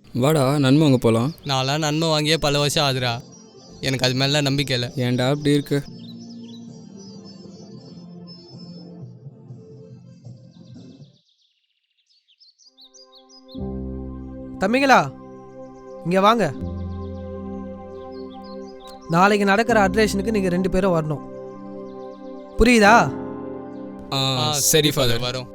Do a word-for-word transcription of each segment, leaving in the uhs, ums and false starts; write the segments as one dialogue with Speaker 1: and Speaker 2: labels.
Speaker 1: வாடா நன்மை அங்கே போகலாம்.
Speaker 2: நான்லாம் நன்மை வாங்கியே பல வருஷம் ஆகுதுடா. எனக்கு அது மேலே நம்பிக்கை இல்லை.
Speaker 1: ஏன்டா அப்படி இருக்கு?
Speaker 3: தம்பிங்களா இங்கே வாங்க. நாளைக்கு நடக்கிற அட்ரேஷனுக்கு நீங்கள் ரெண்டு பேரும் வரணும். புரியுதா?
Speaker 1: ஆ சரி ஃபாதர்.
Speaker 2: வரோம்.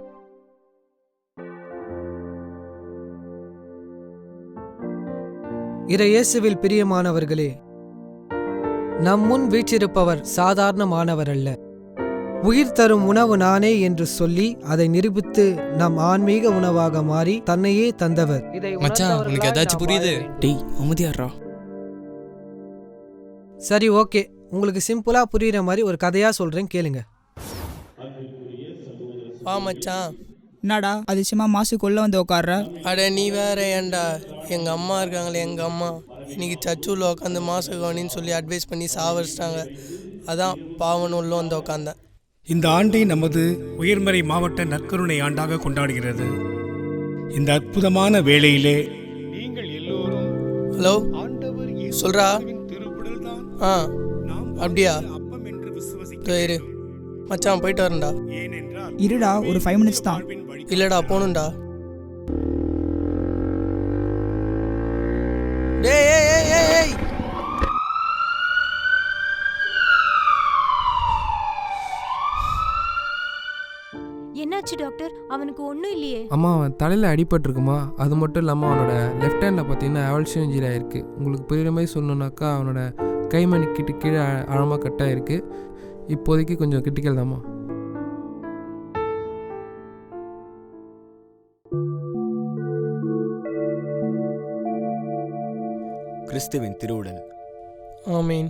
Speaker 3: இறை இயேசுவில் பிரியமானவர்களே, நம் முன் வீற்றிருப்பவர் சாதாரணமானவர் அல்ல. உயிர் தரும் உணவு நானே என்று சொல்லி அதை நிரூபித்து நம் ஆன்மீக உணவாக மாறி தன்னையே தந்தவர்.
Speaker 2: மச்சான் உனக்கு ஏதாச்சும் புரியுது?
Speaker 1: டேய் அமைதியாடுறா.
Speaker 3: சரி ஓகே, உங்களுக்கு சிம்பிளா புரியுற மாதிரி ஒரு கதையா சொல்றேன், கேளுங்க.
Speaker 4: வா மச்சான்.
Speaker 5: என்னடா அதிசயமா மாசுக்குள்ள வந்து உட்கார்ற?
Speaker 4: அட நீ வேற ஏன்டா, எங்க அம்மா இருக்காங்களே, எங்க அம்மா இன்னைக்கு சர்ச்சுள்ள உட்காந்து மாசு கவனின்னு சொல்லி அட்வைஸ் பண்ணி சாவடிச்சிட்டாங்க. அதான் பாவன் உள்ள வந்து உட்காந்தேன்.
Speaker 6: இந்த ஆண்டை நமது உயர்மறை மாவட்ட நற்கருணை ஆண்டாக கொண்டாடுகிறது. இந்த அற்புதமான வேளையிலே நீங்கள் எல்லோரும்
Speaker 4: ஹலோ சொல்றா. ஆ அப்படியா? இரு மச்சான் போயிட்டு வரேன்டா.
Speaker 5: இருடா ஒரு ஃபைவ் மினிட்ஸ் தான்.
Speaker 4: இல்லடா போகணும்டா. டேய் ஏய் ஏய் ஏய் ஏய்
Speaker 7: என்னாச்சு டாக்டர்? அவனுக்கு ஒன்றும் இல்லையே.
Speaker 8: அம்மா அவன் தலையில் அடிபட்டிருக்குமா, அது மட்டும் இல்லாமல் அவனோட லெஃப்ட் ஹேண்டில் பார்த்தீங்கன்னா அவல்சியம் இன்ஜுரி ஆகிருக்கு. உங்களுக்கு புரியுற மாதிரி சொல்லணுன்னாக்கா அவனோட கைமணி கிட்ட கீழே ஆழமாக கட்டாயிருக்கு. இப்போதைக்கு கொஞ்சம் கிரிட்டிக்கல் தாம்மா.
Speaker 9: கிறிஸ்துவின் திருவுடல்.
Speaker 4: ஆமீன்.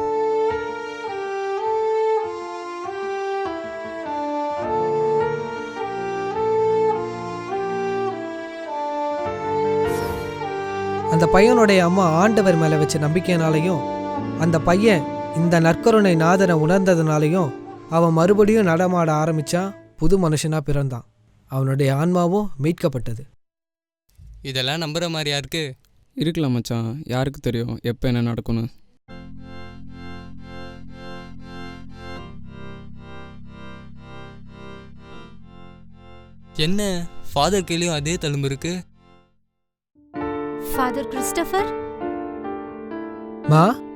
Speaker 3: அந்த பையனுடைய அம்மா ஆண்டவர் மேலே வச்ச நம்பிக்கையினாலையும் அந்த பையன் இந்த நற்கருணை நாதனை உணர்ந்ததுனாலையும் அவன் மறுபடியும் நடமாட ஆரம்பித்தான். புது மனுஷனா பிறந்தான். அவனுடைய ஆன்மாவும் மீட்கப்பட்டது.
Speaker 2: இதெல்லாம் நம்புற மாதிரியா இருக்கு?
Speaker 1: இருக்கலாம் மச்சான், யாருக்கு தெரியும் எப்போ என்ன நடக்கும்னு.
Speaker 2: என்ன ஃபாதர் கையிலையும் அதே தழும்பு இருக்கு?
Speaker 7: ஃபாதர் கிறிஸ்டோபர்
Speaker 3: மா